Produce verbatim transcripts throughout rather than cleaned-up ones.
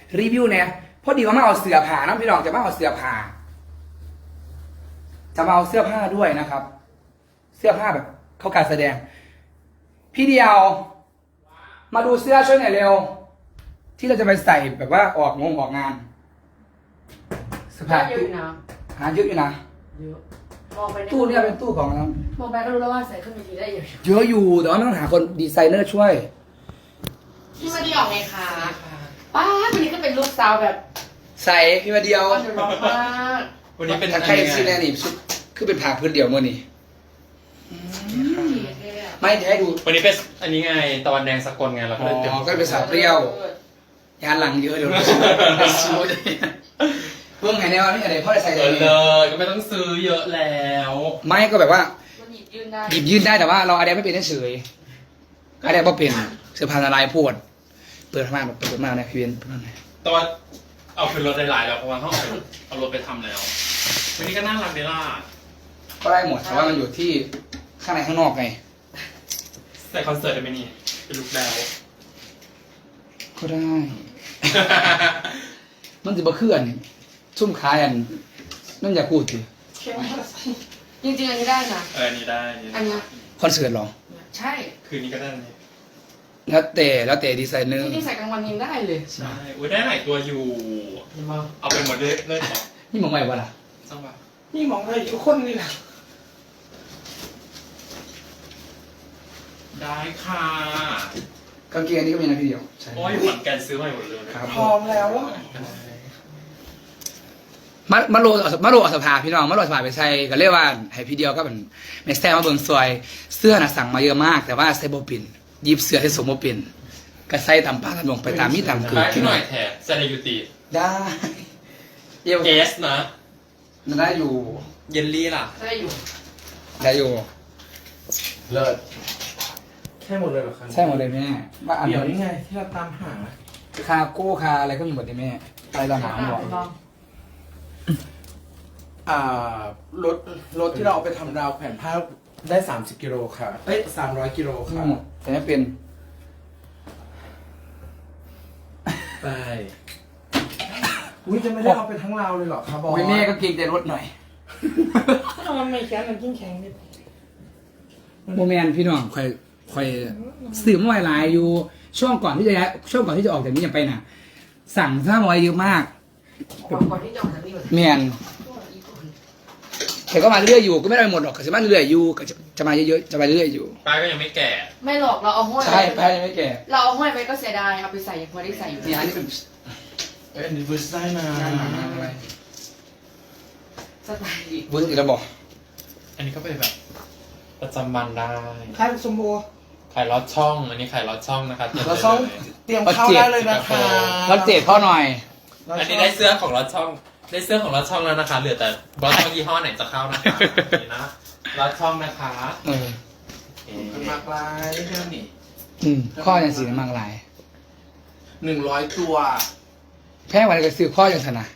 รีวิวเนี่ยพอดีว่ามาเอาเสื้อผ้านะพี่น้องจะมาเอาเสื้อผ้าจะมาเอาเสื้อผ้าด้วยนะครับ เสื้อผ้าแบบเขาการแสดง พี่เดียว มาดูเสื้อช่วยหน่อยเร็ว ที่เราจะไปใส่แบบว่าออกงงออกงานเสื้อผ้าเยอะอยู่นะหาเยอะอยู่นะเยอะมองไปตู้เนี่ยเป็นตู้ของเรามองไปก็รู้แล้วว่าใส่ขึ้นเวทีได้เยอะเยอะอยู่แต่ว่าไม่ต้องหาคนดีไซเนอร์ช่วยพี่มาดีออกไงคะป้าวันนี้ก็เป็นลูกสาวแบบใส่พี่มาเดียวก็จะร้องมากวันนี้เป็นถ้าใครซีแนนี่ชุดคือเป็นผ่าพื้นเดียวมื่อนี้ไม่จะให้ดูวันนี้เป็นอันนี้ไงตะวันแดงสกลไงเราก็อ๋เลยเตรียมอก็เป็นสาวเปรี้ยว ยานหลังเยอะเดี๋ยวเราซูดเพิ่งไงเนี่ยว่านี่อะไรพ่อจะใส่เออะไรอเลยก็ไม่ต้องซื้อเยอะแล้วไม่ก็แบบว่ามันหยิบยืนได้หยิบยื่นได้แต่ว่าเราอะไรไม่เป็นเฉยอะไรไม่เป็นเสื้อผ้าละลายพูดเปิดมากเปิดมากเนี่ยพี่เบนเปิดมากเลยแต่ว่าเอาขึ้นรถได้หลายแล้วเพราะว่าเขาเอาเอารถไปทำแล้ว วันนี้ก็น่ารักเดล่าก็ได้หมดแต่ว่ามันอยู่ที่ข้างในข้างนอกไงใส่คอนเสิร์ตได้ไหมนี่เป็นลุคแล้วก็ได้ มันจะมาเคลื่อนชุ่มคายอันนั่นอย่าพูดสิจริงๆอันนี้ได้นะเอออันนี้ได้อันเนี้ยคอนเสิร์ตหรอใช่คืนนี้ก็ได้นี่แล้วแต่แล้วแต่ดีไซเนอร์จริงๆใส่กลางวันยังได้เลยใช่อุ้ยได้หลายตัวอยู่เห็นปะเอาไปหมดเลยเลยเหรอนี่มองไปวะล่ะจังหวะนี่มองไปทุกคนนี่แหละได้ค่ะกางเกงนี้ก็มีนะพี่เดียวใช่โอ้ยขอนแก่นซื้อใหม่หมดเลยครับพร้อมแล้วอะมามาโรมาโรอสภาพี่น้องมาโรอสภาไปใส่ก็เรียกว่าให้พี่เดียวก็เป็นแม่แซ่มาเบิ่งซอยเสื้อน่ะสั่งมาเยอะมาก แต่ว่าใส่บ่เป็นหยิบเสื้อให้สมบ่เป็นก็ใส่ตามป้าตามลงไปตามมีตามเกิดได้พี่หน้น่ออย ยแถบเซนยูตีได้เอวเอสนะมันได้อยู่เยลลี่ล่ะได้อยู่ได้อยู่เลิศแค่หมดเลยเหรอครับใช่หมดเลยแม่ว่าอันเดี๋ยวนี่ไงที่เราตามหาคาโก้คาอะไรก็มีหมดเลยแม่อะไรเราหาหมดลองอ่ารถรถที่เราเอาไปทำราวแขวนผ้าได้สามสิบกิโลค่ะเอ้ยสามร้อยกิโลมีค่ะหมดแต่ไม่เป็นไปอุ้ยจะไม่ได้เอาไปทั้งราวเลยเหรอครับบอสโอ้ยแม่ก็เกรงใจรถหน่อยมันไม่แข็งมันยิ่งแข็งนิดโมแมนพี่น้องคอยคอยสื่อเมื่อวานไลน์อยู่ช่วงก่อนที่จะย้ายช่วงก่อนที่จะออกจากนี้ยังไปน่ะ สั่งซ่ามาไว้เยอะมากก่อนก่อนที่จะออกจากนี่เลยแมนแต่ก็มาเรื่อยอยู่ก็ไม่ได้หมดหรอกก็จะมาเรื่อยอยู่ก็จะจะมาเยอะๆจะมาเรื่อยอยู่ป้าก็ยังไม่แก่ไม่หรอกเราเอาห้อยใช่แพ้ยังไม่แก่เราเอาห้อยไปก็เสียดายเอาไปใส่ยังพอได้ใส่อยู่นี่อันนี้เป็นเอ้ยอันนี้เวอร์ซได้นะงานหนังอะไรสไตล์บุญติระบอกอันนี้ก็เป็นแบบประจำวันได้ใครสมบูรณ์ขายลอดช่อง อันนี้ขายลอดช่องนะคะเราต้องเตรียมเข้าได้เลยนะคะรับเจ็ดพ่อหน่อยอันนี้ได้เสื้อของลอดช่อง ได้เสื้อของลอดช่องแล้วนะคะ เหลือแต่ลอดช่องยี่ห้อไหนจะเข้านะคะนี่นะลอดช่องนะคะเออเอ๊ะมากลายเท่านี้อืมข้อยังสีมากหลายหนึ่งร้อยตัวแพ้วันก็ซื้อข้อยังสนะ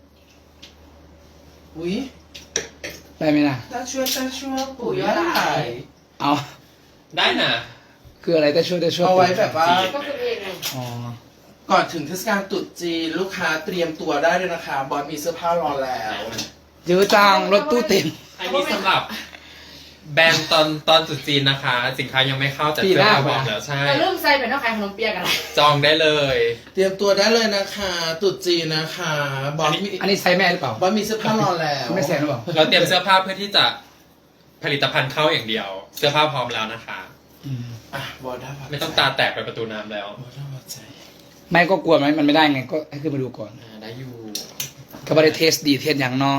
อุ้ยได้ไหมนะตาช่วยตาช่วยปู่ยอดหลายเอาได้น่ะคืออะไรแต่ช่วยแต่ช่วยเอาไว้แบบว่าก็คือเองไงอ๋อก่อนถึงเทศกาลตรุษจีนลูกค้าเตรียมตัวได้เลยนะคะ บอสมีเสื้อผ้ารอแล้วเยอะจังรถตู้เต็มอันนี้สำหรับแบรนด์ตอนตอนตรุษจีนนะคะ สินค้ายังไม่เข้าแต่ปีเสื้หอน้าผ้าพร้อมแล้วใช่แต่เริ่มใส่เป็นน้องขายขนมเปียกอะไรจองได้เลยเตรียมตัวได้เลยนะคะตรุษจีนนะคะบอสมีอันนี้ไซส์แม่หรือเปล่าบอสมีเสื้อผ้ารอแล้วไม่แซงหรือเปล่าเราเตรียมเสื้อผ้าเพื่อที่จะผลิตภัณฑ์เข้าอย่างเดียว เสื้อผ้าพร้อมแล้วนะคะอืมอ่ะบอสได้ปะไม่ต้องตาแตกไปประตูน้ำแล้วบอสได้ปะใจไม่ก็กลัวไหมมันไม่ได้ไงก็ให้ขึ้นมาดูก่อนอ่าได้อยู่ก็ไม่ได้เทสดีเทสอย่างเนาะ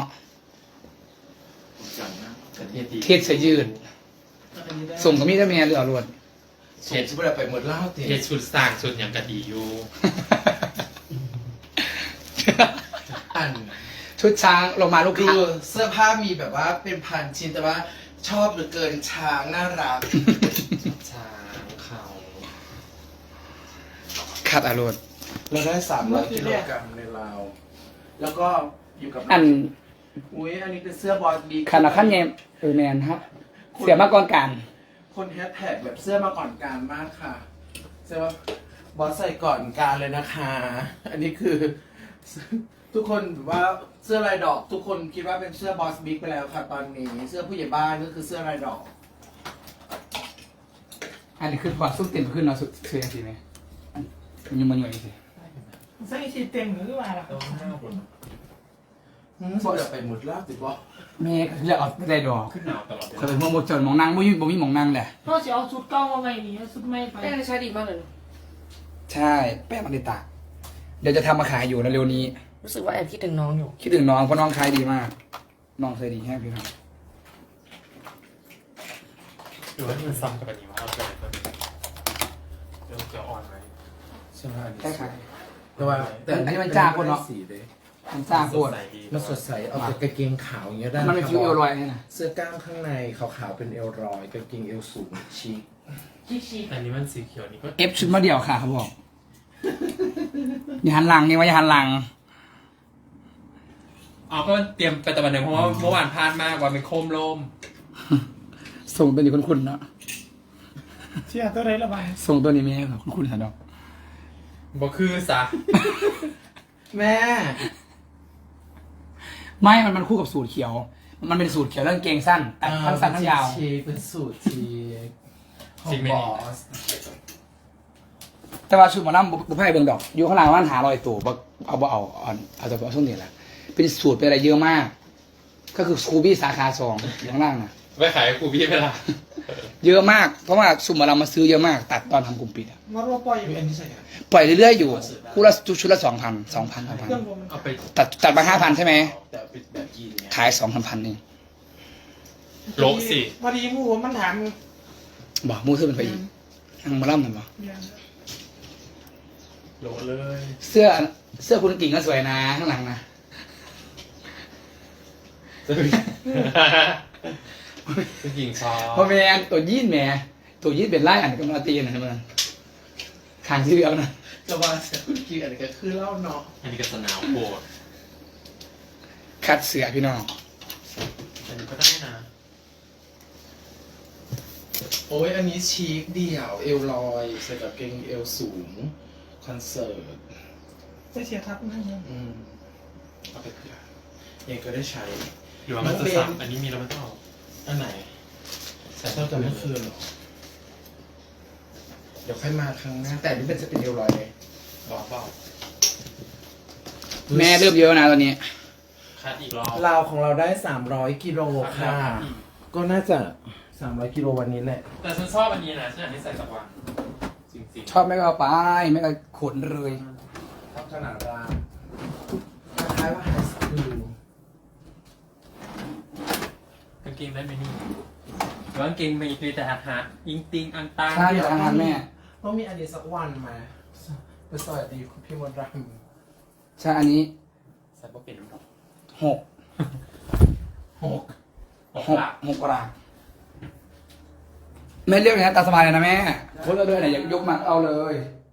จังนะประเทศดีเทสเสื้อยืดอันนี้ได้ส่งกับมีดแม่หรือเอารวดส่งชิบะไปหมดเล่าเต็มเทศชุดสร้างชุดอย่างกะดีอยู่อันชุดช้างลงมาลูกดูค้าเสื้อผ้ามีแบบว่าเป็นพันชิ้นแต่ว่าชอบเหลือเกินช้างน่ารักช้างเขาขาดอารมณ์เราได้สามร้อยกิโลกรัมในลาวแล้วก็อยู่กับอันอุ้ยอันนี้เป็นเสื้อบอสบีขนาดขั้นเยมเออแมนครับ เสียมาก่อนการคนแฮชแท็กแบบเสื้อมาก่อนการมากค่ะเสื้อว่าบอสใส่ก่อนการเลยนะคะ อันนี้คือ ทุกคนแบบว่าเสื้อลายดอก ทุกคนคิดว่าเป็นเสื้อบอสบิ๊กไปแล้วค่ะตอนนี้ เสื้อผู้ใหญ่บ้านก็คือเสื้อลายดอกอันนี้คือพอซุปเต็มขึ้นเนาะสุดเสียงสิไหมมันยังมันอยู่อีกสิใส่ชีเต็มหรือเปล่าล่ะตรงหน้าบนหืมบอสไปหมดแล้วติบอสแม่ก็เลือกเอาไม่ได้ดอกขึ้นหนาวตลอดเวเคยลาเป็นมองบจนมองนั่งบ่มีบ่มีมองนั่งแหละพ่อจะเอาชุดเก่ามาไว้นี่เอาชุดใหม่ไปแป้งใช้ดีมากเลยใช่แป้งมันติตะเดี๋ยวจะทำมาขายอยู่เร็วๆนี้รู้สึกว่าแอบคิดถึงน้องอยู่คิดถึงน้องเพราะน้องขายดีมาก น้องเคยดีแค่พี่ครับหรือว่าที่มันซ้ำกับอันนี้ว่าเอาไปไหนตัวนี้เดี๋ยวจะอ่อนไหมใช่ไหมอันนี้แค่ขายแต่ว่าอันนี้มันจ้าคนเนาะสีเลยมันจ้าโคตรสดใสดีมันสดใสเอาแต่กางเกงขาวอย่างเงี้ยได้มันเป็นคฟิวเอลลอยนี่นะเสื้อกล้ามข้างในขาวๆเป็นเอลรอยกางเกงเอลสูงชิคชิชิอันนี้มันสีเขียวนี่ก็เอฟชุดมาเดี่ยวค่ะเขาบอกอย่าหันหลังนี่ว่าอย่าหันหลังอ๋อก็เตรียมไปตะวันเดียวเพราะว่าเมื่อวานพลาดมากวันเป็นโคมลมส่งตัวนี้คุณๆเนาะเชี่ยตัวไหนละบายส่งตัวนี้ไม่ให้คุณๆสันดอกบอกคือซะแม่ไม่มันมันคู่กับสูตรเขียว มันเป็นสูตรเขียวเรื่องเกงสั้นแต่ทั้งสั้นทั้งยาวชีเป็นสูตรชีของบอสแต่ว่าชุดหมอลำบุพเพเบิ่งดอก อยู่ข้างหลังมันหาลอยตัวบ่เอาบ่เอาเอาเอาจากช่วงนี้แหละเป็นสูตรเป็นอะไรเยอะมาก ก็คือสกูบี้สาขาสองอยู่ข้างล่างนะไปขายครูพี่ไปละเยอะมากเพราะว่าชุดหมอลำมาซื้อเยอะมาก ตัดตอนทำกลุ่มปิดอะมารัวปล่อยอยู่อันนี้ใส่กันปล่อยเรื่อยๆอยู่คู่ละชุดละสองพันสองพันสองพันเครื่องผมมันเอาไปตัดตัดมาห้าพันใช่ไหมแต่เป็นแบบยีนเนี่ยขายสองพันพันเองโลกสิพอดีหมูมันถามบอกมูซื้อเป็นไปอีกทางหมอลำเห็นปะอย่างโลเลยเสื้อเสื้อคุณกิ่งก็สวยนะข้างหลังนะผู้หญิงชอบเพราะแม่ตัวยีนแหม่ตัวยีนเป็นไล่อันกับมาตีนะมันขางที่เดียวนะแต่ว่าเสียคุณกีอันนี้ก็คือเล่าเนาะอันนี้ก็สนาวโปรดคัดเสือพี่น้องอันนี้ก็ได้นะโอ้ยอันนี้ชีคเดี่ยวเอลลอยใส่กับเกงเอลสูงคอนเสิร์ตจะเสียทับนะเนี่ยอืมเอาไปเผื่อเองก็ได้ใช้หรือว่ามันจะซ้ำอันนี้มีแล้วมันต้องเอาอันไหนใส่ชอบแต่ไม่คืนหรอ เดี๋ยวค่อยมาครั้งหน้าแต่อันนี่เป็นจะเป็นเอลลอยเลยบอกเปล่าแม่เริ่มเยอะนะตอนนี้คัดอีกรอบลาวของเราได้สามร้อยกิโลค่ะ ก็น่าจะสามร้อยกิโลวันนี้แหละแต่ฉันชอบอันนี้นะฉันอยากให้ใส่สักวันจริงๆชอบแม่ก็เอาไปแม่ก็ขนเลยชอบขนาดรามคล้ายๆว่าไฮสคูลกางเกงได้ไหมนี่หรือว่ากางเกงมีมีแต่อาหารยิงติงอังตังใช่ทางทานแม่ต้องมีอันนี้สักวันมาไปสวัสดีคุณพี่มดรัมใช่อันนี้ใส่บ่เป็นน้ำดอกหกหกหกหกหลักหกกระดาษแม่เรียกอย่างนี้นตามสบายเลยนะแม่โพสต์เอาด้วยไหนอยากยกมาเอาเลย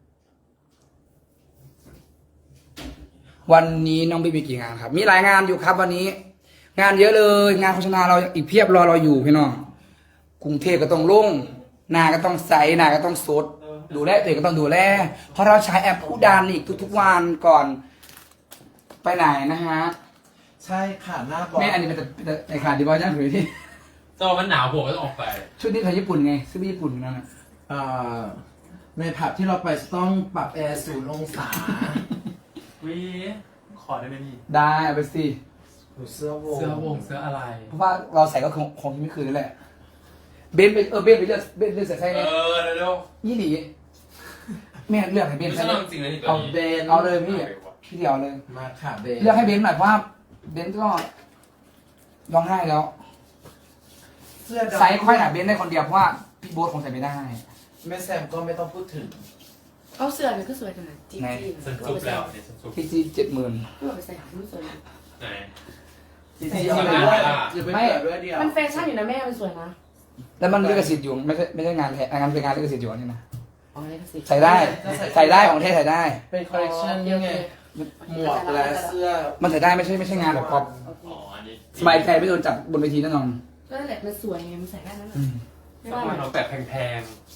วันนี้น้องบีมีกี่งานครับ มีหลายงานอยู่ครับวันนี้ งานเยอะเลย งานโฆษณาเราอีกเพียบรอเราอยู่พี่น้องกรุงเทพก็ต้องลงหนาก็ต้องใสหนาก็ต้องสดดูแลตัวเองก็ต้องดูแลเพราะเราใช้แอปผู้ดันอีกทุกๆวันก่อน ไปไหนนะฮะใช่ค่ะหน้าบอสแม่อันนี้เป็นแต่เป็นแต่ในขาดดีบอลย่างหรือที่เจ้ามันหนาวหัวก็ต้องออกไปชุดนี้ไทยญี่ปุ่นไงซื้อไปญี่ปุ่นนั่นแหละอ่าในผับที่เราไปจะต้องปรับแอร์ศูนย์องศาวิขอได้ไหมนี่ได้เอาไปสิดูเสื้อวงเสื้อวงเสื้ออะไรเพราะว่าเราใส่ก็คงคงไม่คืนนั่นแหละเบนไปเออเบนไปเลือกเบนเลือกใส่ไส้เอเนี่ยอเร็วยี่หลีแม่เลือกให้เบๆนไม่ใส่ใช่เนี่ยจริงๆนะนี่ตัวเอานี้เบนเอาเลยพี่พี่เดียวเลยมาค่ะเบนเลือกให้เบนหน่อยเพราะว่าเบนก็ร้องไห้แล้วเสื้อดำไซส์ค่อยหนาเบนได้คนเดียวเพราะว่าพี่โบ๊ทคงใส่ไม่ได้แม่แซมก็ไม่ต้องพูดถึงเอาเสื้อเนี่ยก็สวยขนาดจีไหนจีฉันซุปแล้วเนี่ยฉันซุปที่จีเจ็ดหมื่นเพื่อไปใส่ไม่สวยนะไหนจริงๆเอาไปด้วยอย่าไปเปิดด้วยเดียวมันแฟชั่นอยู่นะแม่มันสวยนะแล้วมันลิขสิทธิ์อยู่ไม่ใช่ไม่ใช่งานแท้งานเป็นงานลิขสิทธิ์อยู่อันนี่นะอ๋อนี่ก็สิใส่ได้ใส่ได้ของเทศใส่ได้เป็นคอลเลคชันยังไงหมวกและเสื้อมันใส่ได้ไม่ใช่ไม่ใช่งานแบบพอปโอเคอ๋ออันนี้สบายใจไม่โดนจับบนเวทีแน่นอนก็นั่นแหละมันสวยไงมันใส่ได้นั่นแหละอืมไม่ต้องว่ามาเอาแบบแพง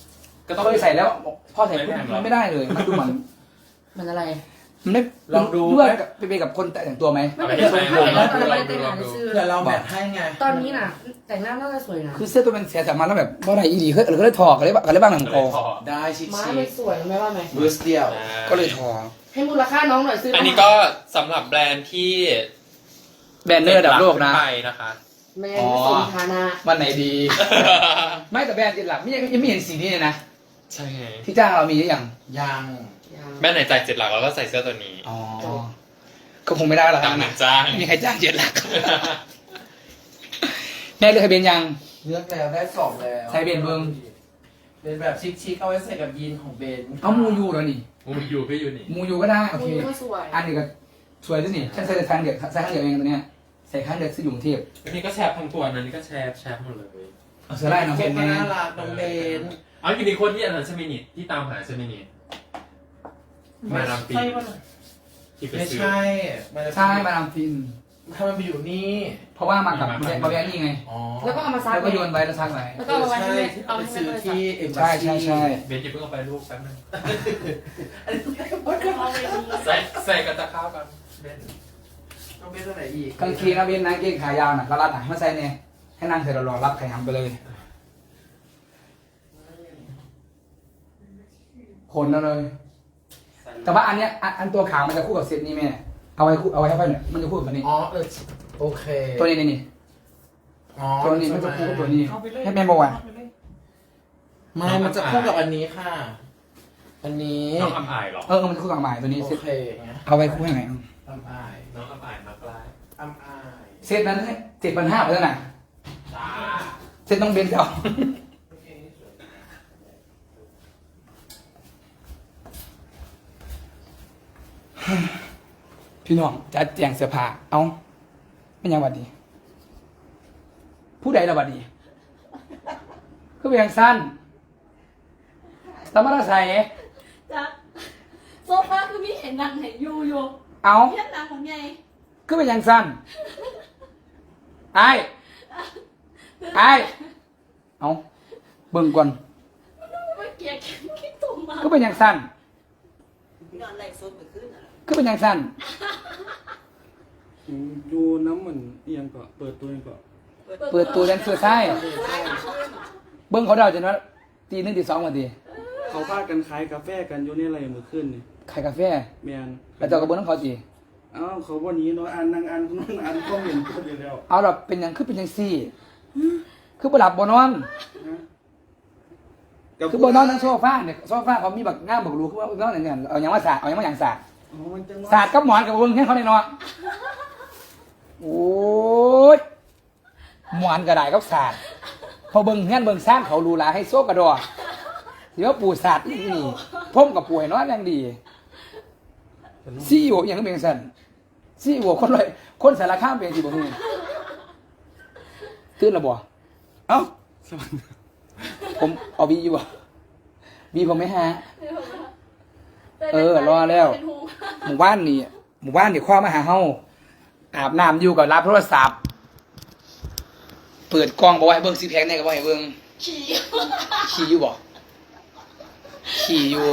ก็ต้องเคยใส่แล้วพ่อใส่ปุ๊บมันไม่ได้เลยมันดูเหมือนมันอะไรมันไม่ลองดูเพื่อไปไปกับคนแต่งตัวไหมไม่เป็นไรไม่เป็นไรตอนเราไม่ได้แต่งงานซื้อเผื่อเราแมทให้ไงตอนนี้น่ะ แต่งหน้าน่าจะสวยนะคือเสื้อตัวมันเสียสามัญแล้วแบบว่าอะไรอีดีเฮ้ยเราก็เลยถอดกันเลยกันเลยบ้างหนังเลโกยพอได้ชิคม้าชิไม่สวยไม่ว่าไหมบูสเดียวก็เลยถอดให้มูลค่าน้องหน่อยซื้ออัอันนี้ก็สำหรับแบรนด์ที่แบรนด์เนอร์ระดับโลกนะไปนะคะแมนสมฐานะวันไหนดี ไม่แต่แบรนด์จิตหลักไม่ยังยังไม่เห็นสีนี้เลยนะใช่ไงที่จ้างเรามีหรือยังยังแบรนด์ไหนจ่ายเจ็ดหลักเราก็ใส่เสื้อตัวนี้อ๋อก็คงไม่ได้หรอกตามหนันะงจ้างไม่มีใครจ้างเจ็ดหลักแม่เลือกทะเบียนยังเลือกแล้วได้สองแล้วใช้เบนเบิ้งเป็นแบบชิคๆเอาไว้ใส่กับยีนของเบนเอามูยูแล้วนี่มูยูก็อยู่นี่มูยูก็ได้โอมูเคก็สวยอันนี้ก็สวยด้วยนี่ฉันใส่แต่ครั้งเดียวใส่ครั้งเดียวเองตัวเนี้ยใส่ครั้งเดียวซื้ออยู่กรุงเทพอันนี้ก็แชร์ทั้งตัวอันนี้ก็แชร์แชร์หมดเลยเอาเสื้อไล่น้องเบเป็น นไงน่ารักน้องเบนเอาอยู่ในคนที่อันนั้นใช่ไหมนี่ที่ตามหาใช่ไหมนี่มาดามฟินใช่ป่ะน่ะที่ไปไม่ซื้อใช่มันจะใช่มาดามฟินทำไมไปอยู่นี่เพราะว่ามากับมามาบาแบนี่ไงอ๋อแล้วก็เอามาซักแล้วก็โยนไว้แล้วซักไว้แล้วก็เอามาไว้ให้ใช่แม่ที่เอาไปให้ซื้อแม่ที่เอ็มใช่ใช่ใช่เบนจะเพิ่งเอาไปลูกแป๊บนึงอันนี้เอาไปดีใส่ใส่กับตะข้าวกันเบนต้องเป็นตัวไหนอีกกางเกงนะเว้นนะเกงขายาวน่ะก็รัดหนังมาใส่เนี่ยให้นั่งเสร็จแล้วรอรับไข่หำไปเลยขนแล้วเลย แต่ว่าอันเนี้ยอันอันตัวขาวมันจะคู่กับเซตนี้แม่เอาไว้คู่เอาไว้ให้ไปเนี่ยมันจะคู่กับอันนี้อ๋อเออโอเคตัวนี้นี่นี่อ๋อตัวนี้มันจะคู่กับตัวนี้เอาไปเลยให้แม่บอกว่าเไปเลยไม่มันจะคู่กับอันนี้ค่ะ อันนี้น้องอัมอายเหรอเออเออมันจะคู่กับหมายตัวนี้โอเซตเคอย่างเงี้ยเอาไว้คู่ยังไงอัมอายน้องอัมอายมากลายอัมอายเซตนั้นเจ็ดพันห้าไปแล้วน่ะจ้าเซตต้องเบนเจ้าพี่น้องจัดแจงเสื้อผ้าเอาไม่ยังหวัดดี ผู้ใดละหวัดดีก็เป็นอย่างสั้นสามารถใส่จ้ะโซฟาคือมีเห็นนางไหนอยู่อยู่เอาเพี้ยนนางของไงก็เป็นอย่างสั้นไอ้ไอ้เอาเบิ่งก่อนเมื่อกี้คิดตรงมาก็เป็นอย่างสั้นนอนไหลโซนเหมือนขึ้นอ่ะก็เป็นอย่างสั้นดูน้ำเหมือนเอียงก็เปิดตัวเองก็เปิดตัวแดนเซอร์ใช่เบิ่งเขาเดาจนว่าตีหนึ่งตีสองวันดีเขาพากันขายกาแฟกันอยู่ในอะไรมือขึ้นนี่ขายกาแฟแมนแล้วเจ้ากับเบิ้งน้องเขาจีเอ้าเขาวันนี้เนาะอ่านนางอ่านคนนั้นอ่านก็เห็นก็เดียวแล้วเอาเราเป็นอย่างคือเป็นอย่างซี่ คือบ่หลับบ่นอน คือบ่นอนทั้งโซฟาเนี่ยโซฟาเขามีบักง่ามบักรูคือว่านอนอย่างเงี้ยเอาอย่างว่าสาดเอาอย่างว่าอย่างสาดอ๋อมันจังสาดกับหมอนกับเบิ้งแค่เขาได้เนาะโอ้ยหมอนกระไดกับสาดพอเบิ้งเงี้ยเบิ้งซ่านเขารูหลาให้โซกระดอเดี๋ยวปูสาดนี่นี่พ่มกับปูให้นอนอย่างดีซี่โออย่างก็เป็นสันซี่โอคนเลยคนสารข้ามเป็นสิบ่ฮู้ตื่นแล้วบ่เอ้าผมเอาบีอยู่บ่บีผมไม่ฮะ เออรอแล้วเป็นห่วงหมู่บ้านนี่หมู่บ้านนี่คว้ามาหาเฮาอาบน้ำอยู่กับรับโทรศัพท์ เปิดกล้องบอกว่าให้เบิ่งซีแพคเนี่ยก็บ่ให้เบิ่งขี่ขี่อยู่บ่ขี่อยู่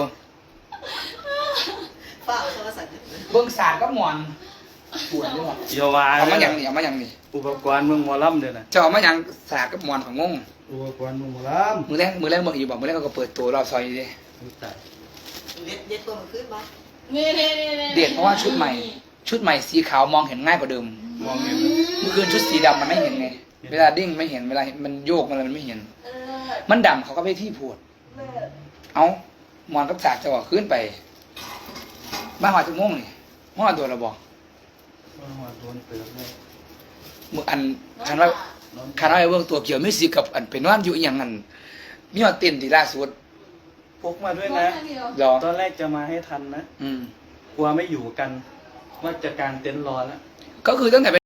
ฝ้าโทรศัพท์เบิ่งสาดก็หมอนปวดอยู่บ่เยาวาเอามาอย่างนี้เอามาอย่างนี้อุปกรณ์เมืองหมอลำเด้อน่ะจะเอามาอย่างสาดกับหมอนของงงอุปกรณ์เมืองหมอลมือแรกมือแรกเบิ่งอยู่บ่มือแรกเขาก็เปิดตัวรอบซอยอยู่ดิำตายเด็ดเด็ดตัวมันขึ้นมานี่นี่นี่นี่เด็ดเพราะว่าชุดใหม่ ชุดใหม่สีขาวมองเห็นง่ายกว่าเดิมมองเห็นเมื่อคืนชุดสีดำมันไม่เห็นไง เวลาดิ้งไม่เห็น เวลามันโยกมันอะไรมันไม่เห็นเออมันดำเขาก็ไปที่พูดเลิศเอาหมอนกับสากจะบอกขึ้นไป บ้านหอดจุ่งงนี่ห้อตัวเราบอกว่าหัวโดนเติมเลยมืออันคันว่าคันว่าไอ้เบื้องตัวเกี่ยวไม่สีกับอันเป็นว่านอยู่อหย่างนั้นมีหอดเต้นที่ล่าสุดพกมาด้วยน้อนะงคนเดียวรอตอนแรกจะมาให้ทันนะอืมกลัวไม่อยู่กัน ว่าจะกางเต็นท์รอแล้วก็คือตั้งแต่